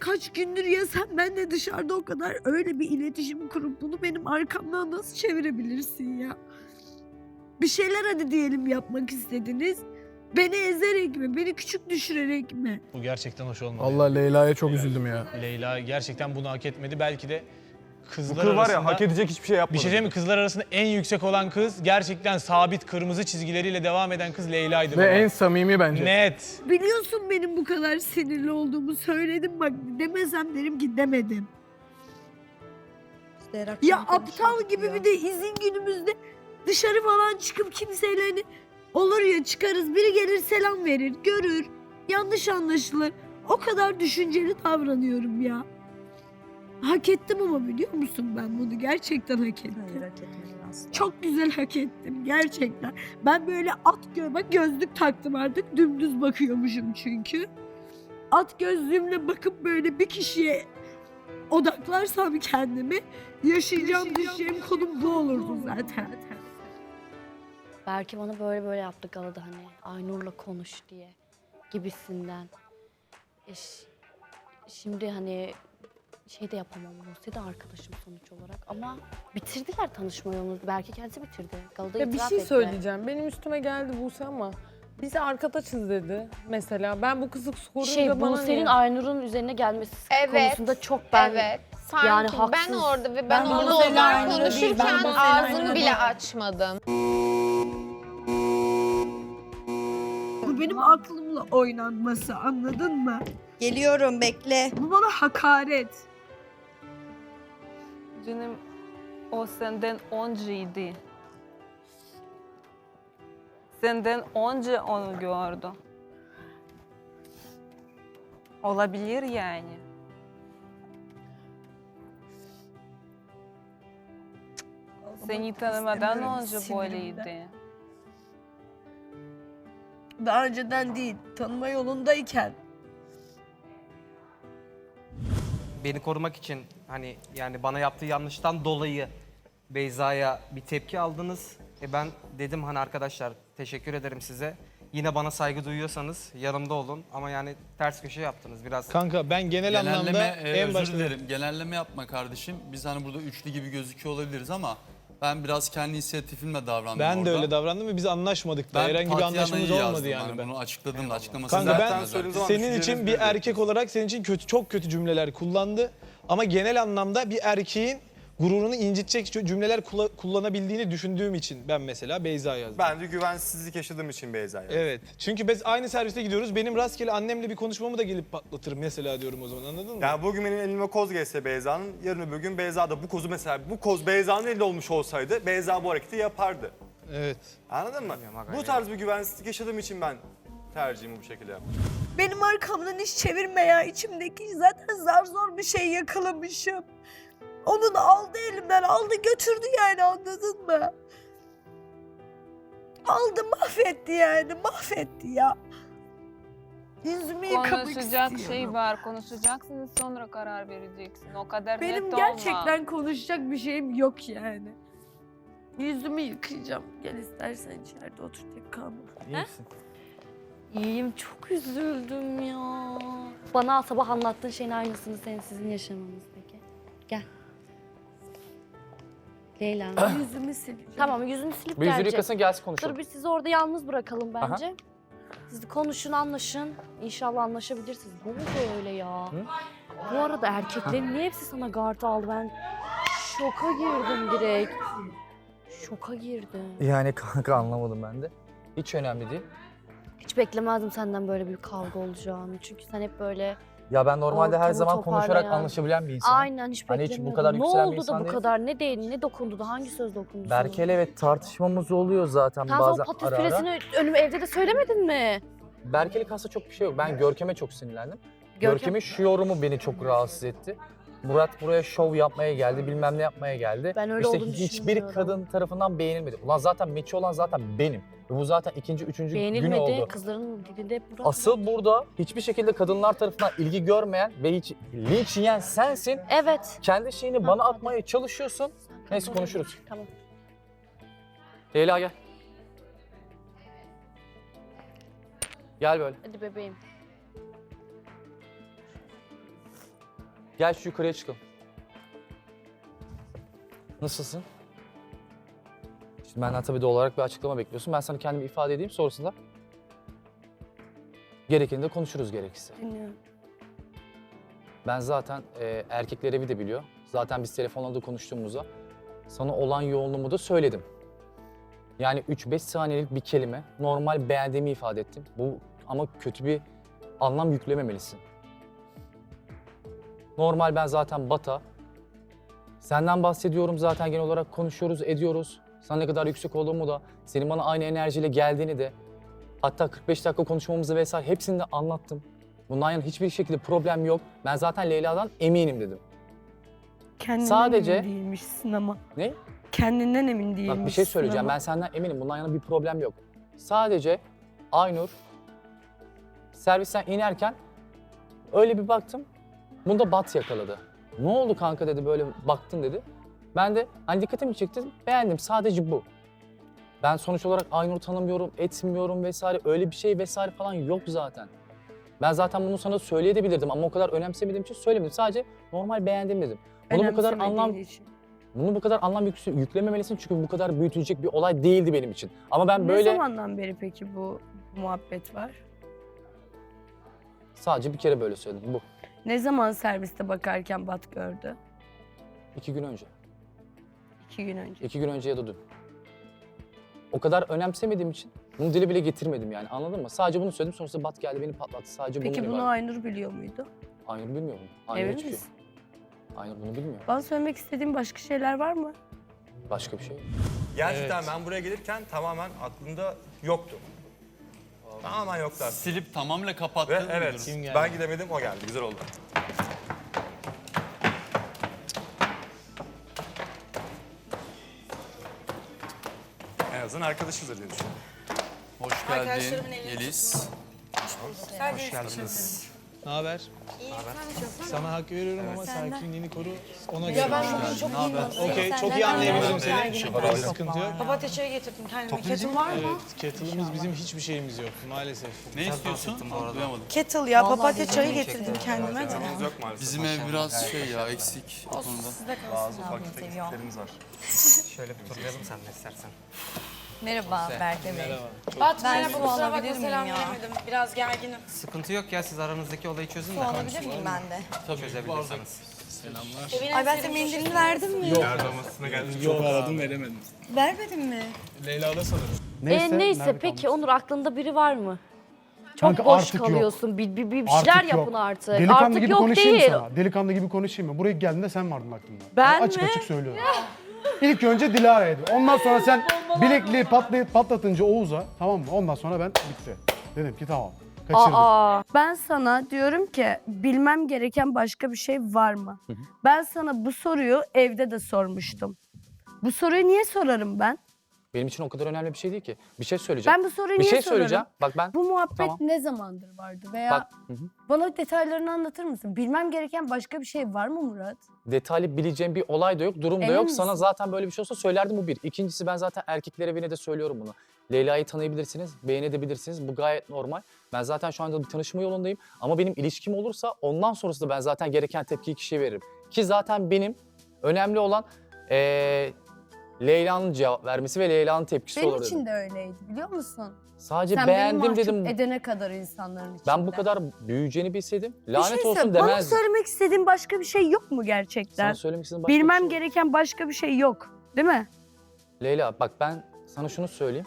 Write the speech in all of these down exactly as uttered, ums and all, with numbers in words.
kaç gündür ya sen benle dışarıda o kadar öyle bir iletişim kurup bunu benim arkamdan nasıl çevirebilirsin ya? Bir şeyler hadi diyelim yapmak istediniz. Beni ezerek mi? Beni küçük düşürerek mi? Bu gerçekten hoş olmadı. Allah Leyla'ya çok üzüldüm ya. Leyla gerçekten bunu hak etmedi. Belki de Bu kızlar kız var arasında... ya hak edecek hiçbir şey yapmadı. Bir şey diyeyim mi? Kızlar arasında en yüksek olan kız gerçekten sabit kırmızı çizgileriyle devam eden kız Leyla'ydı. Ve baba. en samimi bence. Net. Biliyorsun benim bu kadar sinirli olduğumu söyledim bak demesem derim ki demedim. Ya aptal gibi bir de izin günümüzde dışarı falan çıkıp kimseyle hani olur ya çıkarız biri gelir selam verir görür yanlış anlaşılır. O kadar düşünceli davranıyorum ya. Hak ettim ama biliyor musun ben bunu gerçekten hak ettim. Hayır, hak etmedin aslında. Çok güzel hak ettim gerçekten. Ben böyle at gö bak gözlük taktım artık dümdüz bakıyormuşum çünkü. At gözlüğümle bakıp böyle bir kişiye odaklarsam kendimi yaşayacağım düşeceğim konum bu olurdu zaten. Belki bana böyle böyle yaptı galada hani Aynur'la konuş diye gibisinden. E, ş- şimdi hani şey de yapamam. Buse de arkadaşım sonuç olarak ama bitirdiler tanışma yolunu. Belki kendisi bitirdi. Galada Ya bir itiraf şey etti. söyleyeceğim. Benim üstüme geldi Buse ama bizi arkadaşız dedi mesela. Ben bu kızı sorunca Şey bana Buse'nin niye? Aynur'un üzerine gelmesi Evet, konusunda çok ben evet. Sanki yani ben haksız. orada ve ben, Ben orada Buse'yle onlar aynı değil, konuşurken ben Buse'yle ağzımı aynı bile değil. açmadım. Bu benim aklımla oynanması anladın mı? Geliyorum bekle. Bu bana hakaret. Canım o senden önceydi. Senden önce onu gördü. Olabilir yani. Seni tanımadan İstemiyorum, önce sinirimden. böyleydi. Daha önceden değil tanıma yolundayken. Beni korumak için hani yani bana yaptığı yanlıştan dolayı Beyza'ya bir tepki aldınız. E ben dedim hani arkadaşlar teşekkür ederim size. Yine bana saygı duyuyorsanız yanımda olun ama yani ters köşe yaptınız biraz. Kanka ben genel anlamda Genelleme, e, en özür başta... dilerim. Genelleme yapma kardeşim. Biz hani burada üçlü gibi gözüküyor olabiliriz ama ben biraz kendi inisiyatifimle davrandım Ben orada. de öyle davrandım ve biz anlaşmadık da. Herhangi bir Tatiana'yı anlaşmamız yazdım olmadı yani. hani Ben. Bunu açıkladım da açıklamasını Kanka Zaten ben söylediğim zaman senin düşüncelerinizi için bir belirttim. erkek olarak senin için kötü çok kötü cümleler kullandı. Ama genel anlamda bir erkeğin gururunu incitecek cümleler kula- kullanabildiğini düşündüğüm için ben mesela Beyza yazdım. Ben de güvensizlik yaşadığım için Beyza'ya. Evet. Çünkü biz aynı serviste gidiyoruz. Benim rastgele annemle bir konuşmamı da gelip patlatırım mesela diyorum o zaman anladın mı? Yani bugün benim elime koz gelse Beyza'nın, yarın öbür gün Beyza da bu kozu mesela bu koz Beyza'nın elinde olmuş olsaydı Beyza bu hareketi yapardı. Evet. Anladın mı? Bu tarz bir güvensizlik yaşadığım için ben tercihimi bu şekilde yaptım. Benim arkamdan iş çevirme ya içimdeki zaten zar zor bir şey yakalamışım. Onun aldı elimden aldı götürdü yani anladın mı? Aldı mahvetti yani mahvetti ya. Yüzümü yıkamak Konuşacak istiyorum. şey var. Konuşacaksınız sonra karar vereceksin. O kadar Benim net gerçekten olma. konuşacak bir şeyim yok yani. Yüzümü yıkayacağım. Gel istersen içeride otur tek kalma. İyi misin? İyiyim çok üzüldüm ya. Bana sabah anlattığın şeyin aynısını senin sizin yaşamanızdaki. Gel. Leyla. Yüzümü sileceğim. Tamam yüzünü silip Bir yüzünü gelecek. yıkasın gelsin konuşalım. Dur biz sizi orada yalnız bırakalım bence. Siz konuşun anlaşın. İnşallah anlaşabilirsiniz. Ne oldu öyle ya? Bu arada erkeklerin niye hepsi sana gard aldı? Ben şoka girdim direkt. Şoka girdim. Yani kanka anlamadım ben de. Hiç önemli değil. Hiç beklemezdim senden böyle bir kavga olacağını. Çünkü sen hep böyle Ya ben normalde her Ortamı zaman konuşarak toparlayan- anlaşabilen bir insanım. aynen hiç Hani hiç bu beklemiyordum. kadar Ne yükselen bir oldu da insan bu değilim. kadar? Ne değil? Ne dokundu da? Hangi söz dokundu sana? Berke'yle evet tartışmamız oluyor zaten Sen bazen o patates ara ara. püresini önüme evde de söylemedin mi? Berke'lik aslında çok bir şey yok. Ben Görkem'e çok sinirlendim. Görkem- Görkem'in şu yorumu beni çok rahatsız etti. Murat buraya şov yapmaya geldi, bilmem ne yapmaya geldi. Ben öyle işte olduğunu hiçbir düşünmüyorum. kadın tarafından beğenilmedi. Ulan zaten meçi olan zaten benim. Ve bu zaten ikinci, üçüncü günü Beğenilmedi. oldu. Kızların dilinde hep Murat. Asıl burada hiçbir şekilde kadınlar tarafından ilgi görmeyen ve hiç linç yiyen sensin. Evet. Kendi şeyini Ha, bana hadi. atmaya çalışıyorsun. Neyse Tamam. konuşuruz. Tamam. Leyla gel. Gel böyle. Hadi bebeğim. Gel şu yukarıya çıkalım. Nasılsın? Şimdi benden tabii doğal olarak bir açıklama bekliyorsun. Ben sana kendimi ifade edeyim, sonrasında gerekeni de konuşuruz gerekirse. Dinliyorum. Ben zaten e, erkekler evi de biliyor. Zaten biz telefonla da konuştuğumuzda sana olan yoğunluğumu da söyledim. Yani üç beş saniyelik bir kelime, normal beğendiğimi ifade ettim. Bu ama kötü bir anlam yüklememelisin. Normal ben zaten Bata. Senden bahsediyorum zaten genel olarak konuşuyoruz, ediyoruz. Sana ne kadar yüksek olduğumu da, senin bana aynı enerjiyle geldiğini de, hatta kırk beş dakika konuşmamızı vesaire hepsini de anlattım. Bundan yana hiçbir şekilde problem yok. Ben zaten Leyla'dan eminim dedim. Kendinden Sadece- emin değilmişsin ama. Ne? Kendinden emin değilmişsin Bak bir şey söyleyeceğim. ama. Ben senden eminim. Bundan yana bir problem yok. Sadece Aynur servisten inerken öyle bir baktım. Bunda Bat yakaladı. Ne oldu kanka dedi, böyle baktın dedi. Ben de hani dikkatimi çekti, beğendim. Sadece bu. Ben sonuç olarak Aynur'u tanımıyorum, etmiyorum vesaire. Öyle bir şey vesaire falan yok zaten. Ben zaten bunu sana söyleyebilirdim ama o kadar önemsemediğim için söylemedim. Sadece normal beğendim dedim. Bunu bu kadar Önemsemediğin anlam için. Bunu bu kadar anlam yük- yüklememelisin çünkü bu kadar büyütülecek bir olay değildi benim için. Ama ben böyle Ne zamandan beri peki bu muhabbet var? sadece bir kere böyle söyledim. Bu. Ne zaman serviste bakarken Bat gördü? İki gün önce. İki gün önce. İki gün önce ya da dün. O kadar önemsemediğim için bunu dile bile getirmedim yani, anladın mı? Sadece bunu söyledim, sonrasında Bat geldi beni patlattı. Sadece Peki bundan bunu ibaret. Aynur biliyor muydu? Aynur bilmiyor mu? Aynur Emin hiçbir şey. misin? Aynur bunu bilmiyor. Bana söylemek istediğin başka şeyler var mı? Başka bir şey yok. Gerçekten Evet. ben buraya gelirken tamamen aklımda yoktu. Tamamen yoktu aslında. Silip tamamıyla kapattığın Ve bir evet, durum. Kim geldi? ben gidemedim, o geldi. Güzel oldu. En azından arkadaşızdır diye düşünüyorum. Hoş geldin Yeliz. Hoş geldiniz. Ne haber? Sana hak veriyorum ama sakinliğini koru. Ona göre. Ya ben düşün. bugün çok iyiyim. Okey, çok iyi anlayabilirim seni. Hiçbir sıkıntı yok. Papatya çayı getirdim kendime. Ketin var mı? Evet, kettle'ımız bizim hiçbir şeyimiz yok maalesef. Ne istiyorsun? Duyamadım. Kettle ya papatya çayı getirdim kendime. Yok maalesef. Bizim ev biraz şey ya, eksik o konuda. Bazı ufak tefek eksiklerimiz var. Şöyle bir turlayalım sen de istersen. Merhaba Berke Bey. Merhaba. Bat Ben merhaba su kusura bakma alabilir miyim selam ya? veremedim. Biraz gerginim. Sıkıntı yok ya, siz aranızdaki olayı çözün de. Su alabilir miyim ben de? Tabii Çözebilirsiniz. Selamlar. Ay ben size mendilini verdim mi? Yardımasına geldik. Yok aradım veremedim. Vermedin mi? Leyla da sanırım. Neyse, e, neyse peki Onur, aklında biri var mı? Çok Kanka boş artık yok. kalıyorsun. Bir, bir, bir Artık şeyler yok. yapın artık. Delikanlı artık gibi yok konuşayım değil. sana. Delikanlı gibi konuşayım mı? Buraya geldiğinde sen vardın aklımda. Ben açık mi? açık söylüyorum. İlk önce Dilara'ydı. Ondan sonra sen bilekliği patlayıp patlatınca Oğuz'a, tamam mı? Ondan sonra ben bitti. Dedim ki tamam. Kaçırdık. Aa, ben sana diyorum ki bilmem gereken başka bir şey var mı? Ben sana bu soruyu evde de sormuştum. Bu soruyu niye sorarım ben? Benim için o kadar önemli bir şey değil ki. Bir şey söyleyeceğim. Ben bu soruyu bir niye şey sorarım? söyleyeceğim. Bak ben Bu muhabbet Tamam. ne zamandır vardı veya bak hı hı. bana detaylarını anlatır mısın? Bilmem gereken başka bir şey var mı Murat? detaylı bileceğim bir olay da yok, durum da Emin yok. misin? Sana zaten böyle bir şey olsa söylerdim, bu bir. İkincisi, ben zaten erkekler evine de söylüyorum bunu. Leyla'yı tanıyabilirsiniz, beğenebilirsiniz. Bu gayet normal. Ben zaten şu anda bir tanışma yolundayım. Ama benim ilişkim olursa ondan sonrasında ben zaten gereken tepkiyi kişiye veririm. Ki zaten benim önemli olan ee, Leyla'nın cevap vermesi ve Leyla'nın tepkisi Benim olur için dedim. de öyleydi biliyor musun? Sadece Sen beni beğendim mahcup dedim. edene kadar insanların içinde. Ben bu kadar büyüyeceğini bilseydim Bir lanet şey olsun söyle, Bana demezdim. söylemek istediğin başka bir şey yok mu gerçekten? Sana söylemek istediğim başka bir Bilmem şey yok. gereken başka bir şey yok. Değil mi? Leyla bak, ben sana şunu söyleyeyim.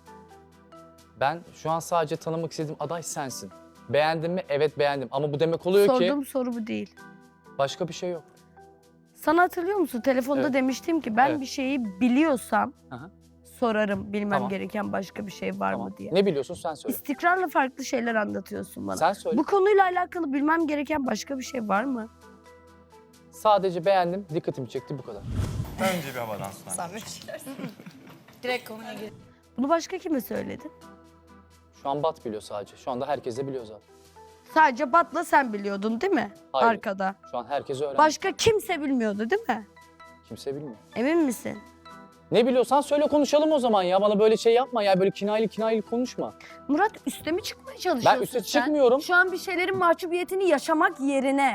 Ben şu an sadece tanımak istediğim aday sensin. Beğendin mi? Evet beğendim. Ama bu demek oluyor Sorduğum ki soru bu değil. başka bir şey yok. Sana hatırlıyor musun? Telefonda Evet. demiştim ki ben Evet. bir şeyi biliyorsam Aha. sorarım bilmem Tamam. gereken başka bir şey var Tamam. mı diye. Ne biliyorsun sen söyle. İstikrarla farklı şeyler anlatıyorsun bana. Sen söyle. Bu konuyla alakalı bilmem gereken başka bir şey var mı? Sadece beğendim, dikkatimi çekti, bu kadar. Önce bir havadan sonra. Zahmet. Direkt konuya gir. Bunu başka kime söyledin? Şu an Bat biliyor sadece. Şu anda herkes de biliyor zaten. Sadece Bat'la sen biliyordun değil mi? Hayır. Arkada. Şu an herkes öğrendi. Başka kimse bilmiyordu değil mi? Kimse bilmiyor. Emin misin? Ne biliyorsan söyle, konuşalım o zaman ya. Bana böyle şey yapma ya. Böyle kinayeli kinayeli konuşma. Murat üste mi çıkmaya çalışıyorsun Ben üste sen? çıkmıyorum. Şu an bir şeylerin mahcubiyetini yaşamak yerine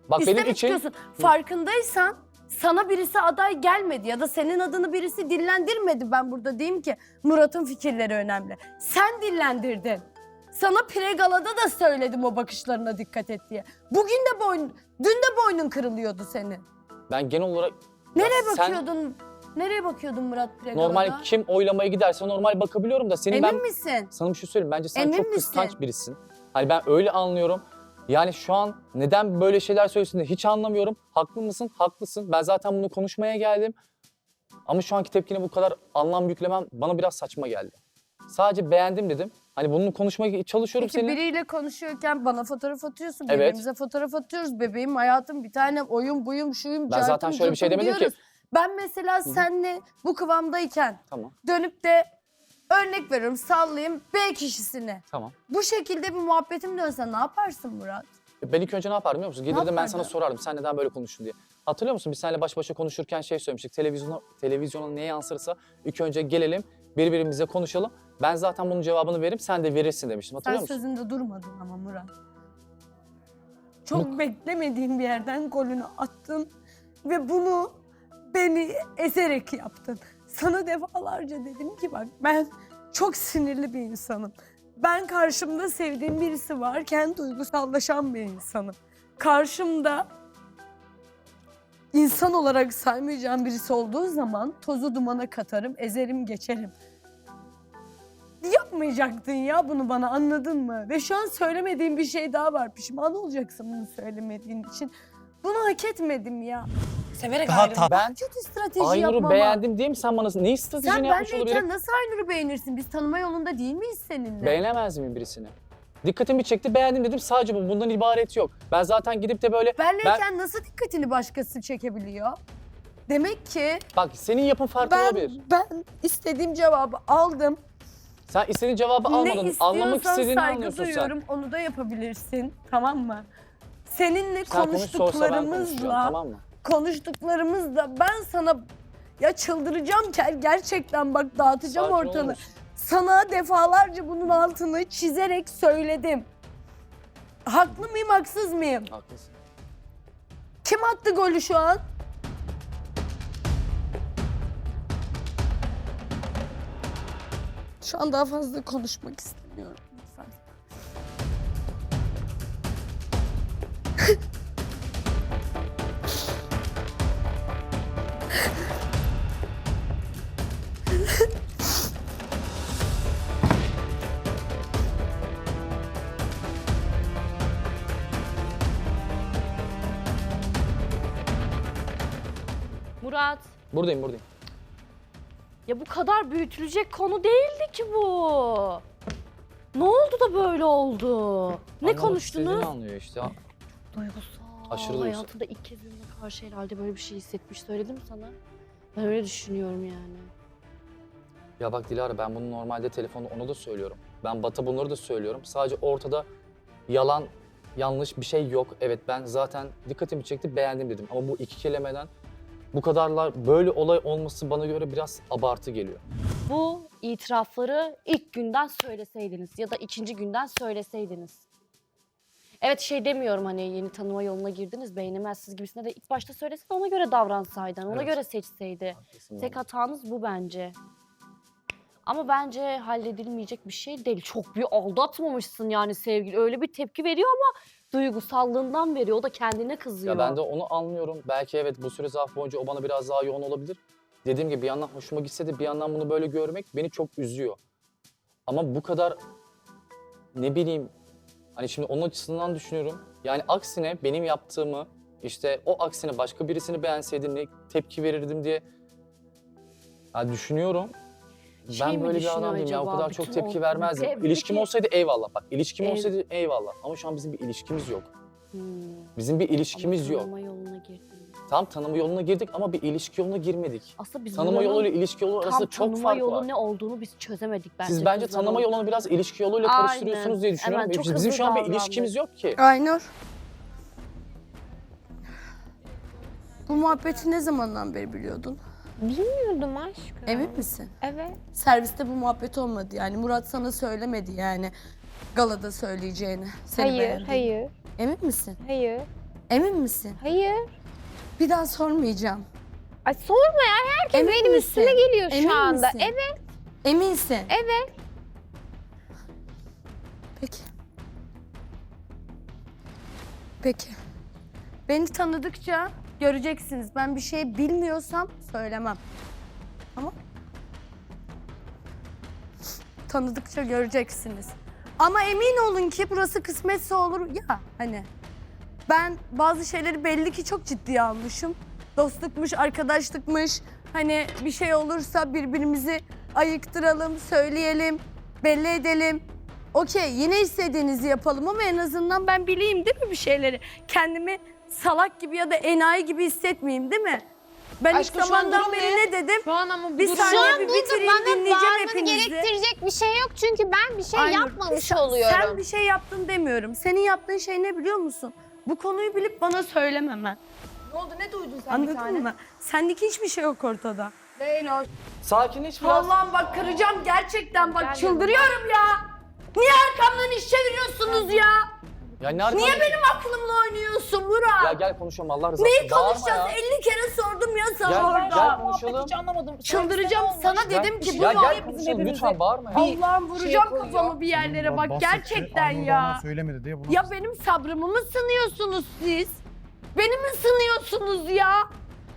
Bak İsteme benim için çıkıyorsun. Farkındaysan sana birisi aday gelmedi ya da senin adını birisi dillendirmedi. Ben burada diyeyim ki Murat'ın fikirleri önemli. Sen dillendirdin. Sana Pregala'da da söyledim o bakışlarına dikkat et diye. Bugün de boyun, dün de boynun kırılıyordu senin. ben genel olarak... Nereye Ya sen bakıyordun? Nereye bakıyordun Murat Pregala'da? Normal kim oylamaya giderse normal bakabiliyorum da senin Emin ben... misin? Sana bir şey söyleyeyim. Bence sen Emin çok misin? kıskanç birisin. Hani ben öyle anlıyorum. Yani şu an neden böyle şeyler söylüyorsun diye hiç anlamıyorum. Haklı mısın? Haklısın. Ben zaten bunu konuşmaya geldim. Ama şu anki tepkine bu kadar anlam yüklemem bana biraz saçma geldi. Sadece beğendim dedim. Hani bunu konuşmaya çalışıyorum Peki seninle. biriyle konuşuyorken bana fotoğraf atıyorsun. Evet. Birbirimize fotoğraf atıyoruz. Bebeğim, hayatım, bir tane oyun buyum, şuyum, Ben zaten cartım, şöyle bir şey curtum demedim ki. diyoruz. Ben mesela seninle bu kıvamdayken Tamam, dönüp de örnek veriyorum sallayayım B kişisine. tamam. Bu şekilde bir muhabbetim dönse ne yaparsın Murat? Ben ilk önce ne yapardım biliyor musun? Gelirdim ben yapardın? sana sorardım sen neden böyle konuştun diye. Hatırlıyor musun? Biz seninle baş başa konuşurken şey söylemiştik. Televizyona, televizyona neye yansırsa ilk önce gelelim birbirimize konuşalım. Ben zaten bunun cevabını veririm sen de verirsin demiştim. Hatırlıyor Sen musun? sözünde durmadın ama Murat. Çok Bu- beklemediğim bir yerden golünü attın ve bunu beni ezerek yaptın. Sana defalarca dedim ki bak ben çok sinirli bir insanım. Ben karşımda sevdiğim birisi varken duygusallaşan bir insanım. Karşımda insan olarak saymayacağım birisi olduğu zaman tozu dumana katarım, ezerim, geçerim. Yapmayacaktın ya bunu bana, anladın mı? Ve şu an söylemediğim bir şey daha var. Pişman olacaksın bunu söylemediğin için. Bunu hak etmedim ya. Severek Daha ayrıldım. Ben Kötü strateji Aynur'u yapmama. beğendim diye mi sen bana ne stratejini Sen yapmış olabilirim? benleyken nasıl Aynur'u beğenirsin? Biz tanıma yolunda değil miyiz seninle? Beğenemez miyim birisini? Dikkatimi çekti beğendim dedim sadece bu bundan ibaret yok. Ben zaten gidip de böyle Benleyken nasıl dikkatini başkası çekebiliyor? Demek ki bak senin yapın farklı ben, olabilir. ben istediğim cevabı aldım. Sen istediğin cevabı Ne almadın. Anlamak istiyorsan istediğini saygı anlıyorsun sen. duyuyorum. Onu da yapabilirsin. Tamam mı? Seninle Sen konuş sorsa ben konuşacağım konuştuklarımızla tamam mı? konuştuklarımızda ben sana ya çıldıracağım kel gerçekten bak dağıtacağım Sakin olur ortalığı. musun? Sana defalarca bunun altını çizerek söyledim. Haklı mıyım, haksız mıyım? Haklısın. Kim attı golü şu an? Şu an daha fazla konuşmak istemiyorum. Lütfen. Murat, Buradayım buradayım. ya bu kadar büyütülecek konu değildi ki bu. Ne oldu da böyle oldu? Ne Anlamak konuştunuz? istediğini anlıyor işte. Duygusal. Aşırı duygusal. Hayatında ilk kez birine karşı herhalde böyle bir şey hissetmiş. Söyledim sana. Ben öyle düşünüyorum yani. Ya bak Dilara ben bunu normalde telefonda onu da söylüyorum. Ben Bat'a bunları da söylüyorum. Sadece ortada yalan, yanlış bir şey yok. Evet ben zaten dikkatimi çekti beğendim dedim. Ama bu iki kelimeden bu kadarlar böyle olay olması bana göre biraz abartı geliyor. Bu itirafları ilk günden söyleseydiniz ya da ikinci günden söyleseydiniz. Evet şey demiyorum hani yeni tanıma yoluna girdiniz beğenemezsiniz gibisine de ilk başta söylesin ona göre davransaydın, ona Evet. göre seçseydi. Haklısın Tek vallahi. hatanız bu bence. Ama bence halledilmeyecek bir şey değil. Çok bir aldatmamışsın yani sevgili. Öyle bir tepki veriyor ama duygusallığından veriyor. O da kendine kızıyor. Ya ben de onu anlıyorum. Belki evet bu süre zarfı boyunca o bana biraz daha yoğun olabilir. Dediğim gibi bir yandan hoşuma gitse de bir yandan bunu böyle görmek beni çok üzüyor. Ama bu kadar ne bileyim hani şimdi onun açısından düşünüyorum. Yani aksine benim yaptığımı işte o aksine başka birisini beğenseydim ne tepki verirdim diye ya düşünüyorum. Şey Ben mi böyle bir düşünüyor adam değilim ya o acaba? kadar çok Bütün tepki o- vermezdim. Tepki- İlişkim olsaydı eyvallah bak ilişkim Ev- olsaydı eyvallah ama şu an bizim bir ilişkimiz yok. Hmm. Bizim bir ilişkimiz Ama yok. tanıma yoluna girdin. Tam tanıma yoluna girdik ama bir ilişki yoluna girmedik. Aslında biz Tanıma buranın yoluyla ilişki yolu tam arasında çok tanıma fark yolu var. ne olduğunu biz çözemedik bence. Siz bence kızlar tanıma olarak. yolunu biraz ilişki yoluyla Aynen. karıştırıyorsunuz diye düşünüyorum. Hemen çok Bizim hızlı şu an bir davrandık. ilişkimiz yok ki. Aynur. Bu muhabbeti ne zamandan beri biliyordun? Bilmiyordum aşkım. Emin misin? Evet. Serviste bu muhabbet olmadı yani. Murat sana söylemedi yani galada söyleyeceğini. Seni Hayır, beğendiğini. hayır, Emin misin? hayır. Emin misin? Hayır. Bir daha sormayacağım. Ay sorma ya, herkes Emin benim misin? üstüme geliyor şu Emin anda. misin? Evet, Eminsin. evet. Peki. Peki. Beni tanıdıkça göreceksiniz. Ben bir şey bilmiyorsam söylemem. Tamam? Tanıdıkça göreceksiniz. Ama emin olun ki burası kısmetse olur ya hani. Ben bazı şeyleri belli ki çok ciddiye almışım. Dostlukmuş, arkadaşlıkmış. Hani bir şey olursa birbirimizi ayıktıralım, söyleyelim, belli edelim. Okey, yine istediğinizi yapalım ama en azından ben bileyim değil mi bir şeyleri? Kendimi salak gibi ya da enayi gibi hissetmeyeyim değil mi? Ben Aşkım, ilk şu an zamandan durum beri ne? ne dedim? Şu an ama bu Bir durum- saniye Şu an bir burada bitireyim, bana dinleyeceğim bağırmanı hepinizi. gerektirecek bir şey yok çünkü ben bir şey Aynur, yapmamış sen- oluyorum. Sen bir şey yaptın demiyorum. Senin yaptığın şey ne biliyor musun? Bu konuyu bilip bana söylememen. Ne oldu, ne duydun sen bir Anladın tane? mı? Sendeki hiçbir şey yok ortada. Leyla. Sakinleş biraz. Allah'ım bak kıracağım gerçekten bak Gel çıldırıyorum ya. Niye arkamdan iş çeviriyorsunuz ya? Ya ne arkamda- Niye benim aklımla oynuyorsun Murat? Ya gel konuşalım Allah rızası Neyi için. Bağırma konuşacağız? ya. elli kere sordum ya sana Gel, orada. gel konuşalım. anlamadım. Çıldıracağım sana Gel, dedim ki bu ya var gel ya konuşalım bizim lütfen bağırma ya. Allah'ım vuracağım koyuyor. kafamı bir yerlere bak Bahsetti, gerçekten Aynur da ya. ona söylemedi diye bunu Ya benim sabrımı mı sınıyorsunuz siz? Beni mi sınıyorsunuz ya?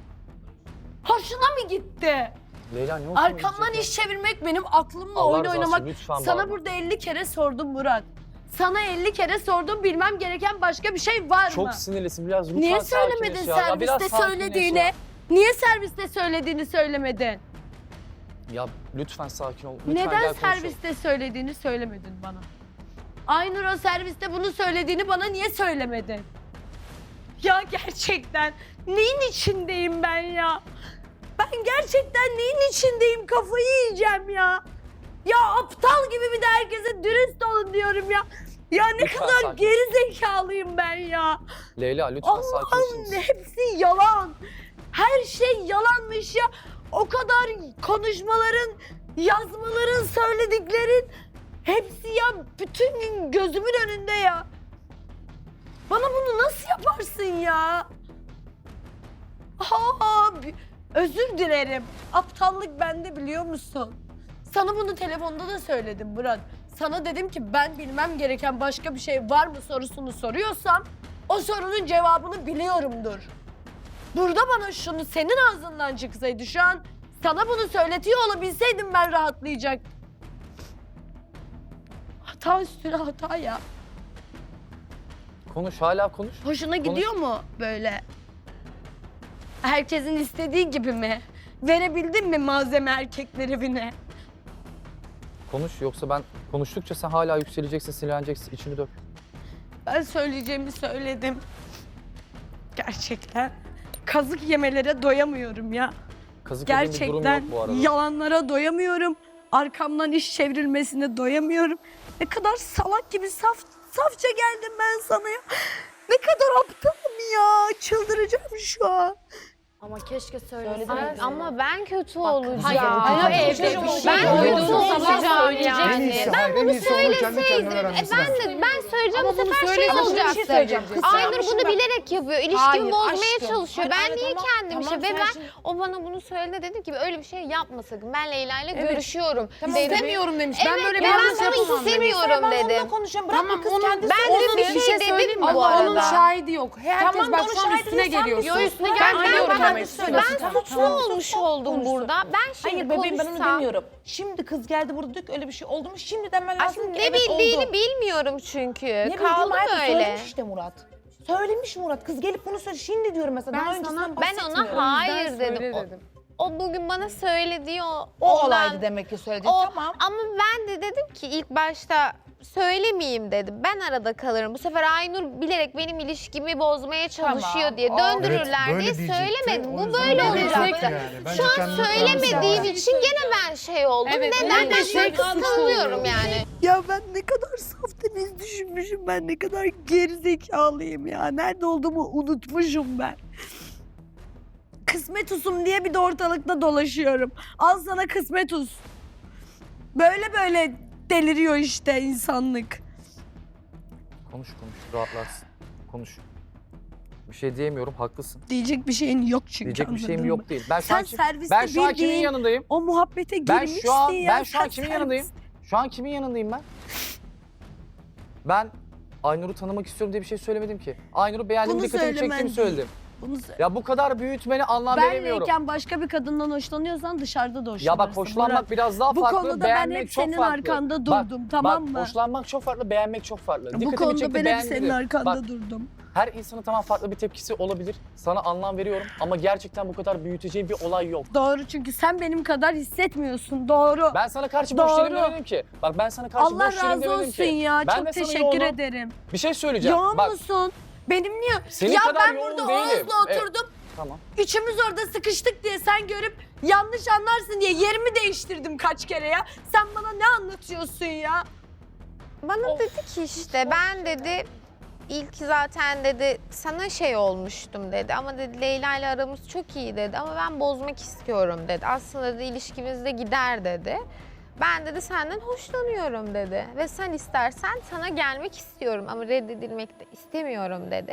Hoşuna mı gitti? Leyla ne olsun Arkamdan diyecek iş çevirmek benim aklımla Allah oyun rızası oynamak. için lütfen Sana bağırma. burada elli kere sordum Murat. Sana elli kere sordum bilmem gereken başka bir şey var ya? mı? Çok sinirlisin biraz lütfen Niye sakinleş söylemedin ya. Ya biraz serviste sakinleş söylediğini? ya. Niye serviste söylediğini söylemedin? Ya lütfen sakin ol. Lütfen Neden gel konuşalım. serviste söylediğini söylemedin bana? Aynur o serviste bunu söylediğini bana niye söylemedin? Ya gerçekten neyin içindeyim ben ya? Ben gerçekten neyin içindeyim? Kafayı yiyeceğim ya. Ya aptal gibi bir de herkese dürüst olun diyorum ya. Ya ne Lütfen kadar sakin. geri zekalıyım ben ya. Leyla lütfen sakinleşir Allah'ım misin? hepsi yalan. Her şey yalanmış ya. O kadar konuşmaların, yazmaların, söylediklerin hepsi ya bütün gün gözümün önünde ya. Bana bunu nasıl yaparsın ya? Aa, bi- özür dilerim. Aptallık bende biliyor musun? Sana bunu telefonda da söyledim Murat. Sana dedim ki ben bilmem gereken başka bir şey var mı sorusunu soruyorsam o sorunun cevabını biliyorumdur. Burada bana şunu senin ağzından çıksaydı şu an sana bunu söyletiyor olabilseydim ben rahatlayacak. Hata üstüne hata ya. Konuş hala konuş. Hoşuna Konuş. gidiyor mu böyle? Herkesin istediği gibi mi? Verebildin mi malzeme erkekler evine? Konuş yoksa ben konuştukça sen hala yükseleceksin, sinirleneceksin, içini dök. Ben söyleyeceğimi söyledim. Gerçekten kazık yemelere doyamıyorum ya. Kazık yediğin bir durum Gerçekten yok bu arada. yalanlara doyamıyorum. Arkamdan iş çevrilmesine doyamıyorum. Ne kadar salak gibi saf safça geldim ben sana ya. Ne kadar aptalım ya. Çıldıracağım şu an. Ama keşke Ay, söyleseydin. ama ben kötü olacağım. hayır, Hayır, evde evde bir şey ben yok. kötü Duyduğunuz zaman olacağım söyleyeceksin. En yani. iyisi, Ben hayır, en bunu iyisi onu kendi kendine söyleseydim. E, öğrenmesi ben lazım. de ben söyleyeceğim Ama bu bunu sefer şey söyleyeceksin, bir olacak şey dedim. söyleyeceğim. Kız Aynur sarmışım bunu ben. bilerek yapıyor. Hayır, İlişkimi bozmaya aşkım. çalışıyor. Hayır, Ben niye tamam, kendim tamam, işte ve sen ben şimdi- o bana bunu söyledi dedim ki öyle bir şey yapma sakın. Ben Leyla ile Evet. görüşüyorum. Tamam, dedim. istemiyorum demiş. Ben Evet, böyle ve bir ben yanlış bunu yapamam demiş. istemiyorum Ben dedim. onunla konuşacağım. Bırak Tamam, kız onun- kendisi. Ben de Onun bir için şey dedim söyleyeyim mi? bu Allah onun arada. şahidi yok. Herkes Tamam, bak onun şu an şahidi üstüne değil, sen geliyorsun. bir üstüne Ben gel. biliyorum Ben demek söylüyorum. istiyorsun. Ben suçlu olmuş oldum burada. Ben şimdi Hayır bebeğim ben onu konuşsam- demiyorum. Şimdi kız geldi burada diyor ki öyle bir şey oldu mu? Şimdi demen lazım Aslında ki ne evet bildiğini oldu. bilmiyorum çünkü. Ne bildiğim Kaldım hayatım öyle. söylemiş işte Murat. Söylemiş Murat. Kız gelip bunu söyle. Şimdi diyorum mesela. Ben Daha sana- öncesinden Ben bahsetmiyorum. ona hayır Ben dedim. söyle O, dedim. o bugün bana söyledi o. O ondan- olaydı demek ki söyledi. O, Tamam. Ama ben de dedim ki ilk başta söylemeyeyim dedim. Ben arada kalırım. Bu sefer Aynur bilerek benim ilişkimi bozmaya çalışıyor Tamam, diye o- döndürürler Evet, böyle diye diyecekti. söylemedim. O Bu yüzden böyle böyle olacaktı. diyecekti yani. Bence Şu an kendini söylemediğim tanıması için gene ben şey oldum. Evet, Neden? öyle Ben şey bunu kıskanıyorum yani. Ya ben ne kadar saf temiz düşünmüşüm. Ben ne kadar gerizekalıyım ya. Nerede olduğumu unutmuşum ben. Kısmetusum diye bir de ortalıkta dolaşıyorum. Al sana kısmetus. Böyle böyle deliriyor işte insanlık. Konuş konuş rahatlarsın. Konuş. Bir şey diyemiyorum, haklısın. Diyecek bir şeyin yok çünkü. Diyecek bir şeyim anladın yok mı? değil. Ben şu Sen an, kim- serviste ben şu an kimin bildiğin yanındayım? o muhabbete Ben girmişsin şu an ya. ben şu an Sen kimin servis- yanındayım? Şu an kimin yanındayım ben? Ben Aynur'u tanımak istiyorum diye bir şey söylemedim ki. Aynur'u beğendiğim, Bunu dikkatimi söylemen çektiğimi değil. söyledim. Bunu söyle. Ya bu kadar büyütmeni anlam veremiyorum. Benleyken başka bir kadından hoşlanıyorsan dışarıda da hoşlanırsın. Ya bak hoşlanmak Murat. biraz daha Bu farklı, konuda ben beğenmek hep çok senin farklı. arkanda Bak, durdum, tamam bak, mı? hoşlanmak çok farklı, beğenmek çok farklı. Bu Dikkatimi konuda çekti, ben hep beğendim senin dedim. arkanda Bak, durdum. her insanın tamam farklı bir tepkisi olabilir. Sana anlam veriyorum ama gerçekten bu kadar büyüteceğim bir olay yok. Doğru, çünkü sen benim kadar hissetmiyorsun. Doğru. Ben sana karşı Doğru. boş değilim demedim ki. Bak ben sana karşı Allah boş değilim razı demedim olsun ki. ya. Ben Çok de sana teşekkür yoğunum. ederim. Bir şey söyleyeceğim. Yoğun Bak, musun? Benim niye? Senin ya kadar ben yoğun burada değilim. Oğuz'la Evet. oturdum. Tamam. Üçümüz orada sıkıştık diye sen görüp yanlış anlarsın diye yerimi değiştirdim kaç kere ya. Sen bana ne anlatıyorsun ya? Bana dedi ki işte ben dedi ilk zaten dedi sana şey olmuştum dedi ama dedi Leyla ile aramız çok iyi dedi ama ben bozmak istiyorum dedi. Aslında dedi ilişkimiz de gider dedi. Ben dedi senden hoşlanıyorum dedi ve sen istersen sana gelmek istiyorum ama reddedilmek de istemiyorum dedi.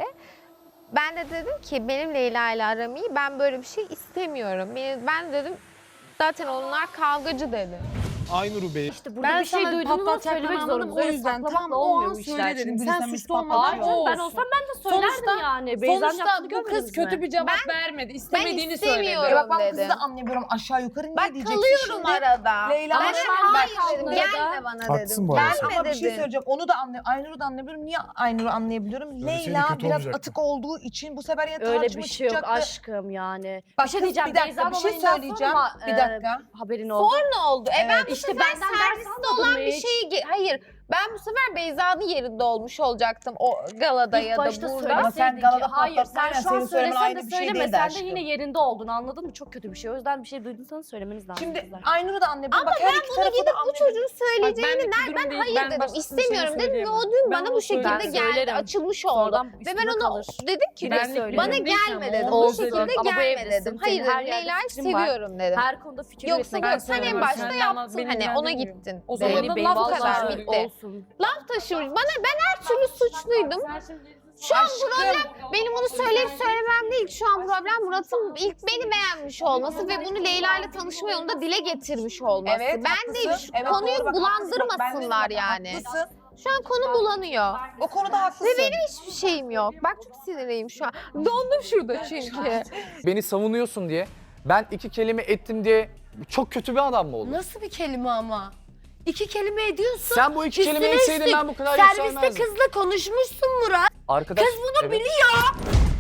Ben de dedim ki benim Leyla ile aram iyi, ben böyle bir şey istemiyorum. Ben ben dedim zaten onlar kavgacı dedi. Aynur Bey. İşte burada Ben bir şey sana duyduğunu patlatacak söylemek ben anladım, zorunda. o yüzden tam o olmuyor an bu söyle işler. dedim. Çünkü Sen birisi seni suçlu olmadın. patlatıyor. O Ben olsun. olsam ben de söylerdim Sonuçta, yani. Beyza'nın sonuçta yaptığını bu kız görmediniz kötü mi? bir cevap Ben- vermedi. İstemediğini söyledi. istemiyorum. Ya bak ben bu dedi. kızı da anlayabiliyorum aşağı yukarı niye Bak diyeceksin kalıyorum şimdi? arada. Leyla ben ama de şu an hayır ben dedim, kaldım gelme arada. bana Haklısın dedim. bu arada. Gelme Ama bir şey dedim. söyleyeceğim. Onu da anlay Aynur'u da anlayabiliyorum. Niye Aynur'u anlayabiliyorum? Söyleseydin Leyla kötü biraz olacaktı. atık olduğu için bu sefer ya Öyle tartışma bir şey yok çıkacaktı. aşkım yani. Bak bir şey kız, diyeceğim. bir dakika, Beyza'nın bir şey olayından söyleyeceğim. sonra, Bir e, dakika. haberin oldu. Sonra oldu. E ben bu İşte sefer benden ders serviste almadın olan mı bir hiç? şeyi... ge- Hayır. Ben bu sefer Beyza'nın yerinde olmuş olacaktım o galada İlk ya da başta burada. Ama sen söyleseydin galada ki hayır sen patlatsaydın, şu an senin söylemen söylesen ayrı de bir şey söyleme değildi sen de aşkım. yine yerinde oldun anladın mı? Çok kötü bir şey. O yüzden bir şey duyduysanız söylemeniz lazım. Şimdi kızlar. Aynur'u da anlayabiliyorum. Ama Bak, her ben iki bunu tarafı da gidip bu anlayabiliyorum. çocuğun söyleyeceğini bendeki der. durum Ben değil, hayır ben dedim başkasının istemiyorum şeyini dedim ve o söyleyemem. dün Ben bana onu bu şekilde söylerim. geldi Söylerim. açılmış oldu. Sonradan Ve üstüne ben ona kalır. dedim ki Direkt Benlik söylerim. bana durum değil gelme ama dedim. onu Bu Olsun. şekilde Ama bu gelme evdesin. dedim. Senin Hayır her dedim yerde Leyla'yı fikrin var. seviyorum dedim. Her konuda fikir Yoksa üretmek yok sen en söylemem. başta Sen yaptın anlat, beni hani ona ilgilendirmiyor. gittin. O zaman Benim da laf laf kadar taşı. bitti. Olsun. Laf taşımış. Bana ben her türlü suçluydum. Şu an problem benim onu söyleyip söylemem değil. Şu an problem Murat'ın ilk beni beğenmiş olması ve bunu Leyla ile tanışma yolunda dile getirmiş olması. Evet, ben haklısın. değil. Şu Evet, konuyu doğru, bak, haklısın. Bak, ben de bulandırmasınlar diyorum, yani. Haklısın. Şu an konu bulanıyor. O konuda haklısın. Ve benim hiçbir şeyim yok. Bak çok sinirliyim şu an. Dondum şurada çünkü. Beni savunuyorsun diye, ben iki kelime ettim diye çok kötü bir adam mı oldun? Nasıl bir kelime ama? İki kelime ediyorsun. Sen bu iki Üstüne kelime etseydin üstlük ben bu kadar Serviste yükselmezdim. kızla konuşmuşsun Murat. Arkadaş, Kız bunu evet. biliyor.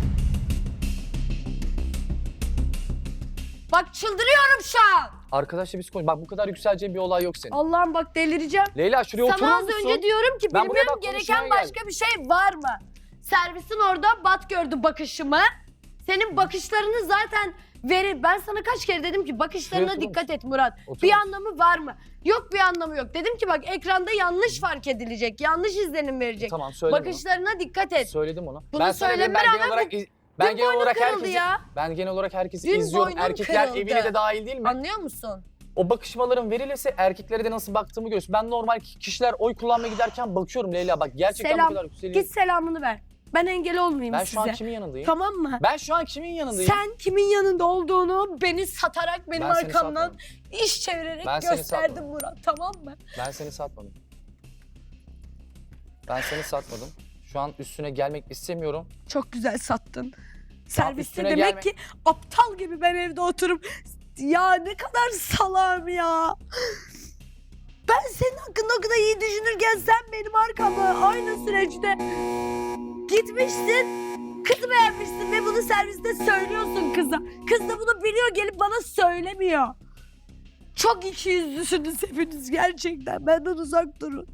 Bak çıldırıyorum şu an. Arkadaşla biz konuş. Bak bu kadar yükseleceğin bir olay yok senin. Allah'ım bak delireceğim. Leyla şuraya oturur Sana az musun? önce diyorum ki Ben buraya bilmem bak, gereken konuşmaya başka bir şey var mı? Servisin orada Bat gördü bakışımı. Senin bakışlarını zaten verir. Ben sana kaç kere dedim ki bakışlarına Şuraya oturur dikkat et Murat. Oturur Bir musun? anlamı var mı? Yok bir anlamı yok. Dedim ki bak ekranda yanlış fark edilecek. Yanlış izlenim verecek. Tamam söyledim Bakışlarına dikkat et. onu. Söyledim onu. Bunu ben sana dedim, ben söyleme genel rağmen olarak iz- ben dün genel boynum olarak kırıldı herkesi ya. ben genel olarak herkesi Dün izliyorum. boynum Erkekler kırıldı. evine de dahil değil mi? Anlıyor musun? O bakışmaların verilirse erkeklere de nasıl baktığımı görürsün. Ben normal kişiler oy kullanmaya giderken bakıyorum Leyla. Bak gerçekten Selam. bu kadar yükseliyor. Git selamını ver. Ben engel olmayayım Ben size. şu an kimin yanındayım? Tamam mı? Ben şu an kimin yanındayım? Sen kimin yanında olduğunu beni satarak benim Ben seni arkamdan satmadım. iş çevirerek Ben seni gösterdin satmadım. Murat, tamam mı? Ben seni satmadım. Ben seni satmadım. Şu an üstüne gelmek istemiyorum. Çok güzel sattın. Serviste üstüne demek gelme. ki aptal gibi ben evde oturup ya ne kadar salam ya. Ben senin hakkında o kadar iyi düşünürken sen benim arkamda aynı süreçte gitmişsin. Kızı beğenmişsin ve bunu serviste söylüyorsun kıza. Kız da bunu biliyor gelip bana söylemiyor. Çok ikiyüzlüsünüz hepiniz gerçekten. Benden uzak durun.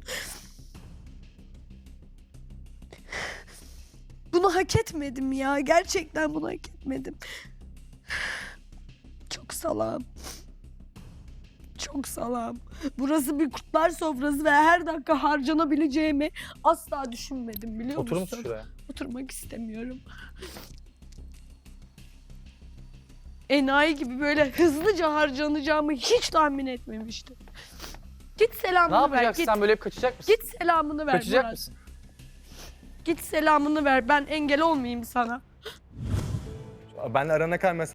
Bunu hak etmedim ya. Gerçekten bunu hak etmedim. Çok salam. Çok salam. Burası bir kurtlar sofrası ve her dakika harcanabileceğimi asla düşünmedim biliyor Oturur musun? musun şuraya? Oturmak istemiyorum. Enayi gibi böyle hızlıca harcanacağımı hiç tahmin etmemiştim. Git Ne selamını ver. yapacaksın Git, sen böyle hep kaçacak mısın? git selamını ver Kaçacak Murat. mısın? Git selamını ver. Ben engel olmayayım sana. Ben arana kadar mesela